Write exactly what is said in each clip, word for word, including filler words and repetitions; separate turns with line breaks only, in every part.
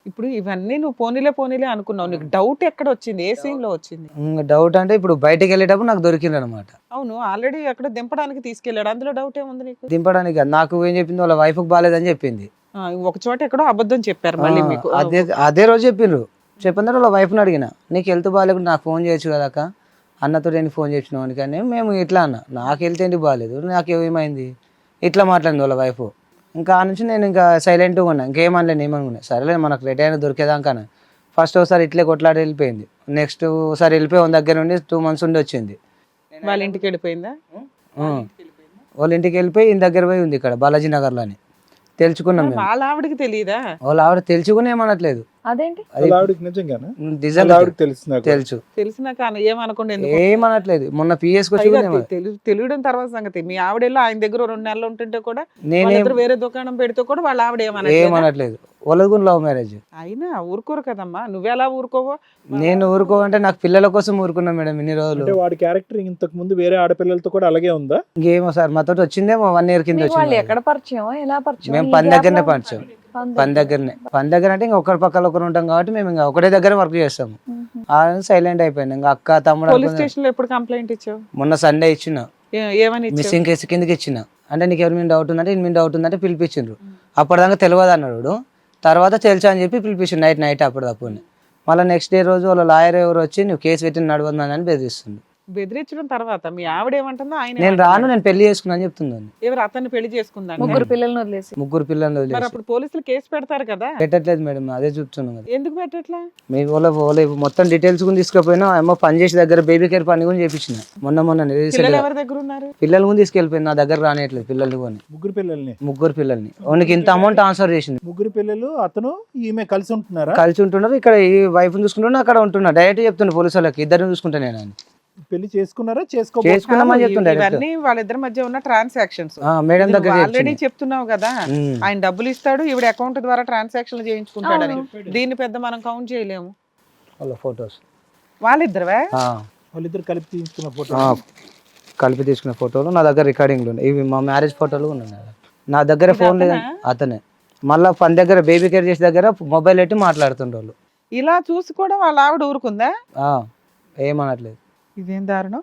ఇప్పుడు ఇవన్నీ నువ్వు పోనీలే పోనీలే అనుకున్నావు. నీకు డౌట్ ఎక్కడ వచ్చింది? ఏ సీన్ లో వచ్చింది?
డౌట్ అంటే ఇప్పుడు బయటికి వెళ్ళేటప్పుడు నాకు దొరికింది అనమాట.
అవును, ఆల్రెడీ ఎక్కడ దింపడానికి తీసుకెళ్ళాడు, అందులో డౌట్ ఏముంది నీకు?
దింపడానికి కాదు, నాకు ఏం చెప్పింది వాళ్ళ వైఫ్ కి బాగాలేదని చెప్పింది.
ఆ, ఒక చోట ఎక్కడో అబద్ధం చెప్పారు మళ్ళీ
ఆ,
మీకు.
అదే అదే రోజు చెప్పిండ్రు. చెప్పిన తర్వాత వాళ్ళ వైఫ్ని అడిగిన, నీకు హెల్త్ బాగాలేకుండా నాకు ఫోన్ చేయొచ్చు కదా అక్క, అన్నతో నేను ఫోన్ చేసినావు అని. కానీ మేము ఇట్లా అన్న, నాకు హెల్త్ ఏంటి బాగాలేదు, నాకు ఏమైంది, ఇట్లా మాట్లాడింది వాళ్ళ వైఫ్. ఇంకా ఆ నుంచి నేను ఇంకా సైలెంట్గా ఉన్నా, ఇంకేమనలేను ఏమనుకున్నా. సరేలే మనకు రెడీ అయినా దొరికేదాకా. ఫస్ట్ ఒకసారి ఇట్లే కొట్లాడి వెళ్ళిపోయింది. నెక్స్ట్ ఒకసారి వెళ్ళిపోయి వాళ్ళ దగ్గర నుండి టూ మంత్స్ ఉండి వచ్చింది.
వాళ్ళ ఇంటికి వెళ్ళిపోయిందా?
ఆ, వాళ్ళ ఇంటికి వెళ్ళిపోయి ఈయన దగ్గర పోయి ఉంది ఇక్కడ బాలాజీ నగర్లో అని తెలుసుకున్నాం మేము.
వాళ్ళ ఆవిడకి తెలియదా?
వాళ్ళ ఆవిడ తెలుసుకుని ఏమనట్లేదు.
అదేంటి?
అది
ఆవిడకి నిజంగానా?
నిజంగా
ఆవిడకి తెలుసు నాకు.
తెలుసు,
తెలిసినాక ఆమె ఏమనుకోండి ఎందుకు?
ఏమనట్లేదు. మొన్న పిఎస్ వచ్చి
పైగా
కూడా ఏమన-
తెలు- తెలియడం తర్వాత సంగతి. మీ ఆవిడేలో ఆయన దగ్గర రెండు నెలలు ఉంటుంటే కూడా,
నేనేం
వాళ్ళిద్దరు వేరే దుకాణం పెడితే కూడా వాళ్ళ ఆవిడ ఏమనట్లేదా?
ఏమనట్లేదు. వాళ్ళది కూడా లవ్ మ్యారేజ్.
అయినా ఊరుకోరు కదమ్మా, నువ్వెలా ఊరుకోవో?
నేను ఊరుకోవంటే నాకు పిల్లల కోసం ఊరుకున్నా మేడం ఇన్ని రోజులు.
అంటే వాడి క్యారెక్టర్ ఇంతకు ముందు వేరే ఆడపిల్లలతో కూడా అలాగే ఉందా?
ఇంకేమో సార్ మాతో వచ్చిందేమో వన్ ఇయర్ కింద
మీకు వాళ్ళు
వచ్చింది.
ఎక్కడ పరిచయం, ఎలా పరిచయం?
మేము
ఈ
పని
gap
దగ్గరనే
లో-
పరిచయం.
పని
పని దగ్గరనే పని దగ్గర అంటే ఇంకా ఒకరి పక్కన ఒకరు ఉంటాం కాబట్టి మేము ఇంకా ఒకటే దగ్గర వర్క్ చేస్తాము.
మ్మ్.
ఆ సైలెంట్ అయిపోయింది. ఇంకా అక్క తమ్ముడు
పోలీస్
అనుకున్నా.
స్టేషన్ లో ఎప్పుడు కంప్లైంట్ ఇచ్చావు?
మొన్న సండే ఇచ్చిన,
ఏ- ఏమని ఇచ్చావు?
మిస్సింగ్ కేసు కిందకి ఇచ్చిన. అంటే నీకు ఎవరి మీద డౌట్ ఉందంటే ఇన్ని మీద డౌట్ ఉందంటే పిలిపించిండ్రు. అప్పటిదాకా తెలియదు అన్నాడు. తర్వాత తెలుసా అని చెప్పి పిలిపించిండు నైట్ నైట్ అప్పటిదప్పుడు. మళ్ళీ నెక్స్ట్ డే రోజు వాళ్ళ లాయర్ ఎవరు వచ్చి నువ్వు కేసు పెట్టి నడవద్దని అని బెదిరిస్తుంది.
బెదిరించడం తర్వాత మీ ఆవిడ ఏమంటుందో ఆయన
నేను
ఏమంటున్నాడు?
రాను, నేను పెళ్లి చేసుకున్నా అని చెప్తుందని.
ఎవరు అతన్ని పెళ్లి చేసుకుందాం?
ముగ్గురు పిల్లల్ని వదిలేసి
ముగ్గురు పిల్లల్ని
మరి
వదిలేసి
అప్పుడు పోలీసులు కేసు పెడతారు కదా,
పెట్టట్లేదు మేడం, అదే చూస్తున్నాం కదా.
ఎందుకు పెట్టట్లా?
మీ వాళ్ళ వాళ్ళ మొత్తం డీటెయిల్స్ కూడా తీసుకుపోయినా ఏమో పని చేసే దగ్గర బేబీ కేర్ పని కూడా చేపించిన మొన్న మొన్న recent
పిల్లలు
గా.
ఎవరి దగ్గర ఉన్నారు?
పిల్లలు కూడా తీసుకెళ్ళిపోయింది, నా దగ్గర రానియట్లేదు పిల్లల్ని కొని.
ముగ్గురు పిల్లల్ని
ముగ్గురు పిల్లల్ని వానికి ఇంత అమౌంట్ ట్రాన్స్ఫర్ చేసింది.
ముగ్గురు పిల్లలు అతను ఈమె కలిసి ఉంటున్నారా?
కలిసి ఉంటున్నారు. ఇక్కడ ఈ వైఫ్ చూసుకుంటున్నా, అక్కడ ఉంటున్నా. డైరెక్ట్ చెప్తున్నా పోలీసు వాళ్ళకి, ఇద్దరిని చూసుకుంటా నేను అని.
పెళ్లి చేసుకున్నారా? చేసుకో
చేసుకున్నామని చెప్తుండే డైరెక్ట్.
ఇవన్నీ వాళ్ళిద్దరి మధ్య ఉన్న ట్రాన్సాక్షన్స్.
మేడం దగ్గర
ఆల్రెడీ చెప్తున్నావు కదా,
ఉమ్.
ఆయన డబ్బులు ఇస్తాడు, ఈవిడ అకౌంట్ ద్వారా ట్రాన్సాక్షన్ చేయించుకుంటాడని. దీన్ని పెద్ద మనం కౌంట్ చేయలేము.
వాళ్ళ ఫొటోస్
వాళ్ళిద్దరువే?
వాళ్ళిద్దరు కలిపి తీసుకున్న ఫోటో.
కలిపి తీసుకున్న ఫోటోలు నా దగ్గర రికార్డింగ్లు ఉన్నాయి. ఇవి మా మ్యారేజ్ ఫోటోలు ఉన్నాయి నా దగ్గర. నా దగ్గర ఫోన్ లేదు, అతనే. మళ్ళీ పని దగ్గర బేబీ కేర్ చేసే దగ్గర మొబైల్ పెట్టి మాట్లాడుతుండ్రు వాళ్ళు.
ఇలా చూసి కూడా వాళ్ళ ఆవిడ ఊరుకుందా?
ఆ, ఏమనట్లేదు.
ఇదేం దారుణం.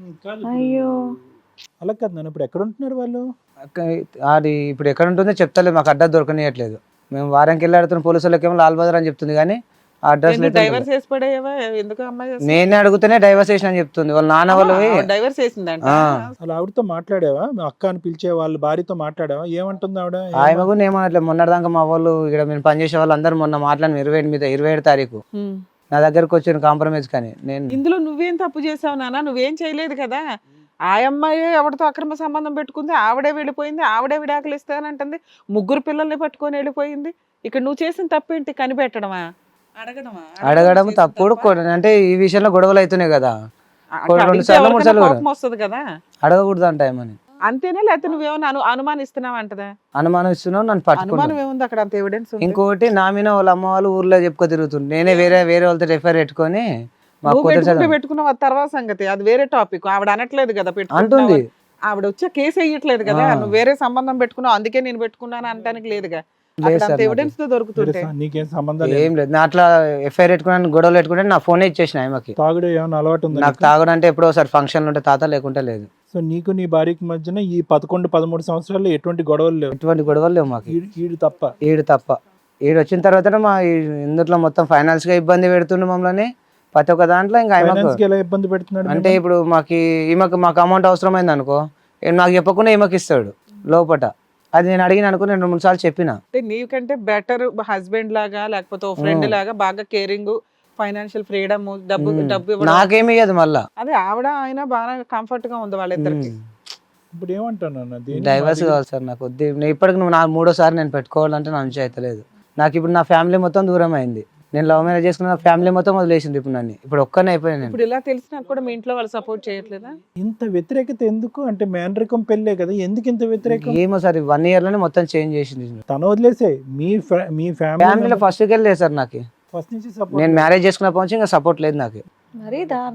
అయ్యో.
అలా కాదు నాన్న, ఇప్పుడు ఎక్కడ ఉంటున్నారు వాళ్ళు?
అక్క- అది ఇప్పుడు ఎక్కడ ఉంటుందో చెప్తలేదు, మాకు అడ్రస్ దొరకనియట్లేదు. మేము వారానికి వెళ్ళి ఆడుతున్న పోలీసు వాళ్ళకి ఏమో లాల్ బజార్ అని చెప్తుంది కానీ ఆ అడ్రస్
డైవర్స్ వేసి పడేవా? ఎందుకు అమ్మాయి
నేనే అడుగుతూనే డైవర్స్ చేసిన అని చెప్తుంది. వాళ్ళ నాన్న వాళ్ళు
డైవర్స్ వేసిందంట?
ఆ.
అలా ఆవిడతో మాట్లాడావా? మీ అక్క అని పిలిచే వాళ్ళ భార్యతో మాట్లాడావా? ఏమంటుంది ఆవిడ?
ఆమె కూడా ఏమనట్లేదు. మొన్నటిదాకా మా వాళ్ళు ఇక్కడ మేము పనిచేసే వాళ్ళు అందరూ మొన్న మాట్లాడిన ఇరవై ఏడు మీద ఇరవై ఏడు తారీఖు
హ్మ్.
నా దగ్గరకు వచ్చాను కాంప్రమైజ్. కానీ నేను
ఇందులో నువ్వేం తప్పు చేసావు నాన్న? నువ్వేం చేయలేదు కదా. ఆ అమ్మాయి ఎవరితో అక్రమ సంబంధం పెట్టుకుంది, ఆవిడే వెళ్ళిపోయింది, ఆవిడే విడాకులు ఇస్తానంటుంది, ముగ్గురు పిల్లల్ని పట్టుకొని వెళ్ళిపోయింది. ఇక్కడ నువ్వు చేసిన తప్పేంటి? కనిపెట్టడమా? అడగడమా?
అడగడం
చేసిన
తప్పుడు.
తప్పా?
కొ- అంటే ఈ విషయంలో గొడవలు అవుతున్నాయి కదా,
అంటే
రెండు
అడిగితే
సార్లు, మూడు
ఎవరికైనా
సార్లు
కోపం వస్తుంది కదా.
అడగకూడదు అంట ఏమని.
అంతేనా? లేకపోతే నువ్వేమన్నా అను అనుమానిస్తున్నావు అంటదా?
అనుమానం ఇస్తున్నావు, నన్ను పట్టుకున్నాను.
అనుమానం ఏముంది అక్కడ? అంత ఎవిడెన్స్ ఉంది.
ఇంకోటి నా మీద వాళ్ళ అమ్మ వాళ్ళు ఊర్లో చెప్పుకో తిరుగుతుంది. నేనే వేరే వేరే వాళ్ళతో రెఫర్ పెట్టుకొని మా
నువ్వు
కూతురు
పెట్టుకుంటే
చదువు
పెట్టుకున్నావు, అది తర్వాత సంగతి. అది వేరే టాపిక్. ఆవిడ అనట్లేదు కదా పెట్టుకుంటున్నావు
అంటుంది.
అని. ఆవిడ వచ్చే కేసు వేయట్లేదు కదా,
ఆ.
నువ్వు వేరే సంబంధం పెట్టుకున్నావు అందుకే నేను పెట్టుకున్నాను అనడానికి లేదుగా.
లేదు
అక్కడ
సార్
అంత
నాకు.
ఎవిడెన్స్ తో దొరుకుతుంటే
నీకేం సంబంధం లేదు.
ఏం లేదు. నా అట్లా ఎఫ్ఐఆర్ పెట్టుకుని గొడవలు పెట్టుకుంటే నా ఫోనే ఇచ్చేసిన ఆమెకి.
తాగుడు ఏమైనా అలవాటు ఉందా
నాకు
నీకు?
తాగడం అంటే ఎప్పుడో ఒకసారి ఫంక్షన్లు ఉంటే తాత, లేకుంటే లేదు.
సో నీకు నీ భార్యకి మధ్యన ఈ పదకొండు పదమూడు సంవత్సరాల్లో ఎటువంటి గొడవలు లేవు?
ఎటువంటి గొడవలు లేవు మాకు.
ఈడు- ఈడు తప్ప.
ఈడు తప్ప. ఈడు వచ్చిన తర్వాత మా ఈ- ఇందులో మొత్తం ఫైనాన్స్ గా ఇబ్బంది పెడుతుండే మమ్మల్ని ప్రతి ఒక్క దాంట్లో. ఇంకా ఆమెకు
ఫైనాన్స్ కి ఎలా ఇబ్బంది పెడుతున్నాడు?
అంటే ఇప్పుడు మాకు ఈమెకు మాకు అమౌంట్ అవసరమైంది అనుకో, ఈయన నాకు చెప్పకుండా ఈమెకి ఇస్తాడు లోపట. అది నేను అడిగిన అనుకో, నేను రెండు మూడు సార్లు చెప్పిన.
అంటే నీకంటే బెటర్ హస్బెండ్ లాగా లేకపోతే ఓ ఫ్రెండ్ లాగా బాగా కేరింగ్, ఫైనాన్షియల్ ఫ్రీడమ్, డబ్బు డబ్బు ఇవ్వడం.
నాకేమి ఇయ్యదు మళ్ళా.
అదే ఆవిడ ఆయన బాగా కంఫర్ట్ గా ఉంది వాళ్ళిద్దరికి.
ఇప్పుడు ఏమంటాను అన్న దీన్ని?
డైవర్స్ కావాలి సార్ నాకు. వద్దు. నేను ఇప్పటికి నువ్వు నా మూడోసారి నేను పెట్టుకోవాలంటే నా నుంచి అయితే లేదు. నాకు ఇప్పుడు నా ఫ్యామిలీ మొత్తం దూరం అయింది. నేను లవ్ మ్యారేజ్ చేసుకున్న ఫ్యామిలీ మొత్తం వదిలేసింది ఇప్పుడు నన్ను. ఇప్పుడు ఒక్కనే అయిపోయాను నేను.
ఇప్పుడు ఇలా తెలిసినా కూడా మీ ఇంట్లో వాళ్ళు సపోర్ట్ చేయట్లేదా?
ఇంత వ్యతిరేకత ఎందుకు? అంటే మేనరికం పెళ్ళే కదా, ఎందుకు ఇంత వ్యతిరేకం?
ఏమో సార్, వన్ ఇయర్ లోనే మొత్తం చేంజ్ చేసింది.
తన వదిలేసే మీ ఫ్యా- మీ ఫ్యామిలీ
ఫ్యామిలీలో ఫస్ట్ వెళ్ళలేదు సార్ నాకు.
ఫస్ట్ నుంచి support
నేను మ్యారేజ్ చేసుకున్నప్పటి నుంచి ఇంకా సపోర్ట్ లేదు నాకు.
మరీ దారుణం.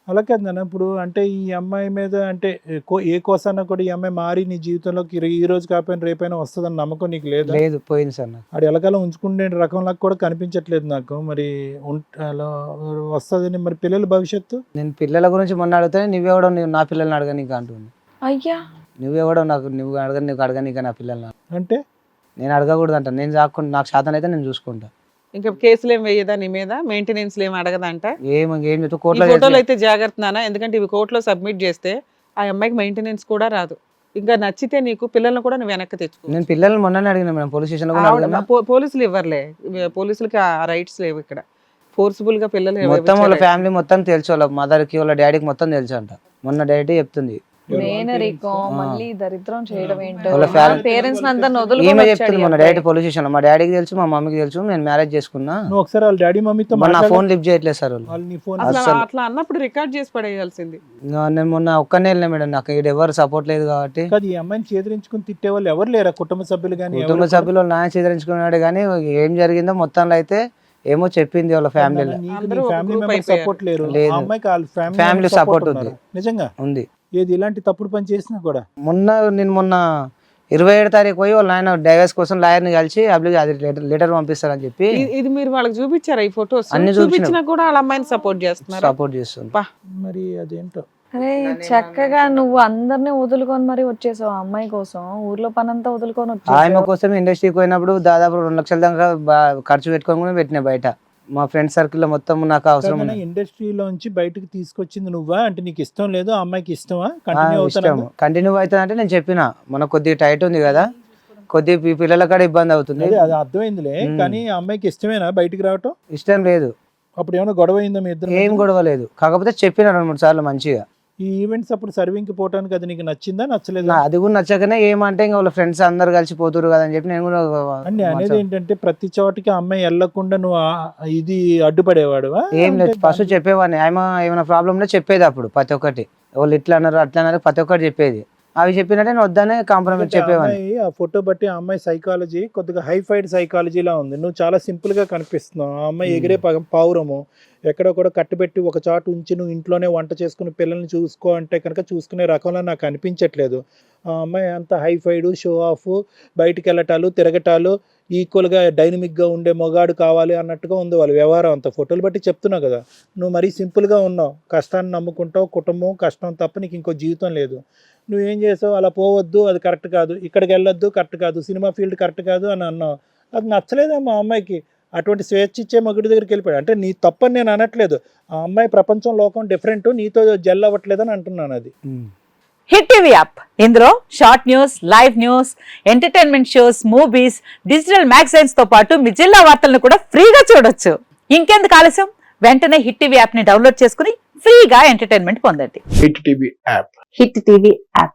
అలా కాదు నాన్న, ఇప్పుడు అంటే ఈ అమ్మాయి మీద అంటే కో- ఏ కోసాన కూడా ఈ అమ్మాయి మారి నీ జీవితంలోకి ఈ- ఈ రోజు కాకపోయినా రేపైనా వస్తుందని నమ్మకం నీకు లేదా?
లేదు, పోయింది సార్ నాకు.
ఆడు ఎలకాలం ఉంచుకునే రకంలా కూడా కనిపించట్లేదు నాకు. మరి ఉం- అలా వస్తుందని మరి పిల్లల భవిష్యత్తు
నేను పిల్లల గురించి మొన్న అడిగితే నువ్వెవడో నువ్వు నా పిల్లల్ని అడగ నీకు అంటుంది.
అయ్యా
నువ్వెవడో నాకు నువ్వు అడగ నీకు అడగ నీకు నా పిల్లల్ని
అంటే
నేను అడగకూడదు అంట. నేను చాకుండా నాకు శాతం అయితే నేను చూసుకుంటా.
ఇంకా కేసులు ఏం వేయదా నీ మీద, మెయింటెనెన్స్ ఏం అడగదంట?
ఏం ఏం చెప్తా
ఈ
కోర్టులో
ఫోటోలు అయితే జాగ్రత్త నాన్న, ఎందుకంటే ఇవి కోర్టులో సబ్మిట్ చేస్తే ఆ అమ్మాయికి మెయింటెనెన్స్ కూడా రాదు. ఇంకా నచ్చితే నీకు పిల్లల్ని కూడా నువ్వు వెనక్కి తెచ్చుకో.
నేను పిల్లల్ని మొన్ననే అడిగిన మేడం, పోలీస్ స్టేషన్ లో కూడా
ఆవిడ-
అడిగినా.
పో- పోలీసులు ఇవ్వర్లే, ఇవి పోలీసులకి ఆ రైట్స్ లేవు ఇక్కడ. ఫోర్స్ఫుల్ గా పిల్లలు ఎవరు
మొత్తం వాళ్ళ
ఇచ్చారు?
ఫ్యామిలీ మొత్తం తెలుసు, వాళ్ళ మదర్ కి వాళ్ళ డాడీకి మొత్తం తెలుసు అంట. మొన్న డాడీ చెప్తుంది.
మేనరికం మళ్ళీ దరిద్రం చేయడం ఏంటో,
వాళ్ళ family-
పేరెంట్స్ అంతా
ఈమె
వదులుకొని
చెప్తుంది మొన్న డైరెక్ట్ పోలీస్ స్టేషన్ లో, మా డాడీకి తెలుసు మా మమ్మీకి తెలుసు నేను మ్యారేజ్ చేసుకున్నా.
నువ్వు ఒకసారి వాళ్ళ డాడీ మమ్మీతో
మొన్న
మాట్లాడు.
ఫోన్ లిఫ్ట్ చేయట్లేదు సార్ వాళ్ళు.
వాళ్ళు నీ ఫోన్
అసలు
అస్సలు.
అట్లా అన్నప్పుడు రికార్డ్ చేసి పడేయాల్సింది.
నా- నేను మొన్న ఒక్కనే వెళ్ళినా మేడం, నాకు ఇక్కడ ఎవరు సపోర్ట్ లేదు కాబట్టి.
కాదు, ఈ అమ్మాయిని చేదరించుకుని తిట్టే వాళ్ళు ఎవరు లేరా? కుటుంబ సభ్యులు కానీ
కుటుంబ సభ్యులు నాయన చేదరించుకున్నాడు కానీ ఏం జరిగిందో మొత్తంలో అయితే ఏమో చెప్పింది వాళ్ళ ఫ్యామిలీలో.
అందరూ ఒక
ఫ్యామిలీ
group
మెంబర్
అయిపోయారు.
సపోర్ట్ లేరు.
లేదు.
ఆ అమ్మాయికి వాళ్ళ
Family
ఫ్యామిలీ
support
సపోర్ట్
ఉంది.
ఉంది నిజంగా.
ఉంది.
ఏది ఇలాంటి తప్పుడు పని చేసినా కూడా
మొన్న నేను మొన్న ఇరవై ఏడు తారీఖు పోయి వాళ్ళ ఆయన డైవర్స్ కోసం లాయర్ని కలిసి అప్లికే అది లెటర్ లెటర్ పంపిస్తారని చెప్పి
ఇ- ఇది మీరు వాళ్ళకి చూపించారా ఈ ఫొటోస్?
అన్ని
చూపించినా
చూపించినాం.
కూడా వాళ్ళ అమ్మాయిని సపోర్ట్ చేస్తున్నారు.
సపోర్ట్ చేస్తుంది.
పా.
మరి అదేంటో.
అరే చక్కగా నువ్వు అందరినీ వదులుకొని మరి వచ్చేసావు ఆ అమ్మాయి కోసం, ఊర్లో పనంతా వదులుకొని
ఆమె
వచ్చేసావు.
కోసం ఇండస్ట్రీకి పోయినప్పుడు దాదాపు రెండు లక్షల దాకా బా- ఖర్చు పెట్టుకొని కూడా పెట్టినా బయట. మా ఫ్రెండ్ సర్కిల్ లో మొత్తం నాకు అవసరం ఉంది.
ఇండస్ట్రీలోంచి బయటకు తీసుకొచ్చింది నువ్వా? అంటే నీకు ఇష్టం లేదు, ఆ అమ్మాయికి ఇష్టమా?
ఆ,
కంటిన్యూ
ఇష్టం
అవుతాను.
కంటిన్యూ అవుతుంది అంటే నేను చెప్పిన మన కొద్దిగా టైట్ ఉంది కదా, కొద్ది పి- పిల్లల కాడ ఇబ్బంది అవుతుంది.
అదే అది అర్థమైందిలే,
మ్మ్.
కానీ ఆ అమ్మాయికి ఇష్టమేనా బయటికి రావటం?
ఇష్టం లేదు,
అప్పుడు ఏమైనా గొడవ అయిందా మీ ఇద్దరు?
ఏం గొడవ లేదు. కాకపోతే చెప్పిన రెండు మూడు సార్లు మంచిగా.
ఈ ఈవెంట్స్ అప్పుడు సర్వింగ్ కి పోవటానికి అది నీకు నచ్చిందా నచ్చలేదా?
నా- అది కూడా నచ్చకనే ఏమంటే ఇంకా వాళ్ళ ఫ్రెండ్స్ అందరు కలిసి పోతురు కదా అని చెప్పి నేను కూడా
అండి అనేది
మంచిగా-
ఏంటంటే ప్రతి చోటికి ఆ అమ్మాయి వెళ్లకుండా నువ్వు ఆ- ఇది అడ్డుపడేవాడువా?
ఏం లేదు,
అంటే
ఫస్ట్ చెప్పేవాడిని. ఆమె ఏమైనా ప్రాబ్లం ఉంటే చెప్పేది అప్పుడు ప్రతి ఒక్కటి. వాళ్ళు ఇట్లా అన్నారు అట్లా అన్నారు ప్రతి ఒక్కటి చెప్పేది. అవి చెప్పినట్టే నేను వద్దనే కాంప్రమైజ్
ఎందుకంటే ఆ
చెప్పేవాడిని.
అమ్మాయి ఆ ఫోటో బట్టి ఆ అమ్మాయి సైకాలజీ కొద్దిగా హైఫైడ్ సైకాలజీలా ఉంది. నువ్వు చాలా సింపుల్ గా కనిపిస్తున్నావు. ఆ అమ్మాయి ఎగిరే పగ- పావురము ఎక్కడో కూడా కట్టుబెట్టి ఒక చాటు ఉంచి నువ్వు ఇంట్లోనే వంట చేసుకుని పిల్లల్ని చూసుకో అంటే కనుక చూసుకునే రకంలో నాకు అనిపించట్లేదు. ఆ అమ్మాయి అంత హైఫైడ్, షో ఆఫ్, బయటికి వెళ్ళటాలు తిరగటాలు, ఈక్వల్గా డైనమిక్గా ఉండే మొగాడు కావాలి అన్నట్టుగా ఉంది వాళ్ళ వ్యవహారం అంతా. ఫోటోలు బట్టి చెప్తున్నావు కదా, నువ్వు మరీ సింపుల్గా ఉన్నావు. కష్టాన్ని నమ్ముకుంటావు, కుటుంబం కష్టం తప్ప నీకు ఇంకో జీవితం లేదు. నువ్వేం చేసావు? అలా పోవద్దు, అది కరెక్ట్ కాదు, ఇక్కడికి వెళ్ళొద్దు, కరెక్ట్ కాదు, సినిమా ఫీల్డ్ కరెక్ట్ కాదు అని అన్నావు. అది నచ్చలేదమ్మా ఆ అమ్మాయికి. అటువంటి స్వేచ్ఛ ఇచ్చే మగుడి దగ్గరికి వెళ్ళిపోయాడు. అంటే నీ తప్పని నేను అనట్లేదు, ఆ అమ్మాయి ప్రపంచం లోకం డిఫరెంట్, నీతో జెల్ అవ్వట్లేదని అంటున్నాను. అది
ఉమ్.
హిట్ టీవీ యాప్ ఇందులో short news, live news, entertainment shows, movies, digital magazines తో పాటు మీ జిల్లా వార్తలను కూడా ఫ్రీగా చూడొచ్చు. ఇంకెందుకు ఆలస్యం, వెంటనే హిట్ టీవీ యాప్ ని డౌన్లోడ్ చేసుకుని ఫ్రీగా ఎంటర్టైన్మెంట్ పొందండి.
Hit TV app
hit TV app.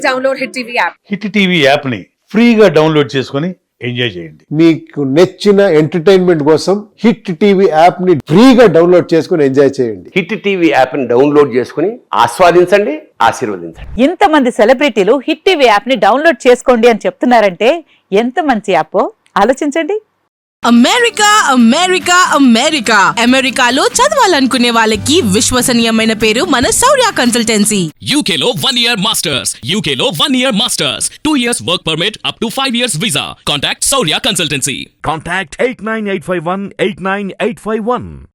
Hit TV యాప్ని ఫ్రీగా డౌన్లోడ్ చేసుకొని ఎంజాయ్ చేయండి.
మీకు నచ్చిన ఎంటర్టైన్మెంట్ కోసం హిట్ టీవీ యాప్ ని ఫ్రీగా డౌన్లోడ్ చేసుకుని ఎంజాయ్ చేయండి.
హిట్ టీవీ యాప్ని డౌన్లోడ్ చేసుకుని ఆస్వాదించండి, ఆశీర్వదించండి.
ఇంతమంది సెలబ్రిటీలు హిట్ టీవీ యాప్ ని డౌన్లోడ్ చేసుకోండి అని చెప్తున్నారంటే ఎంత మంచి యాప్ ఆలోచించండి.
అమెరికా అమెరికా అమెరికా అమెరికాలో చదవాలనుకునే వాళ్ళకి విశ్వసనీయమైన పేరు మన శౌర్య కన్సల్టెన్సీ.
U K లో one year masters, U K లో one year masters, two years work permit up to five years visa. Contact Saurya Consultancy.
Contact eight nine eight five one eight nine eight five one.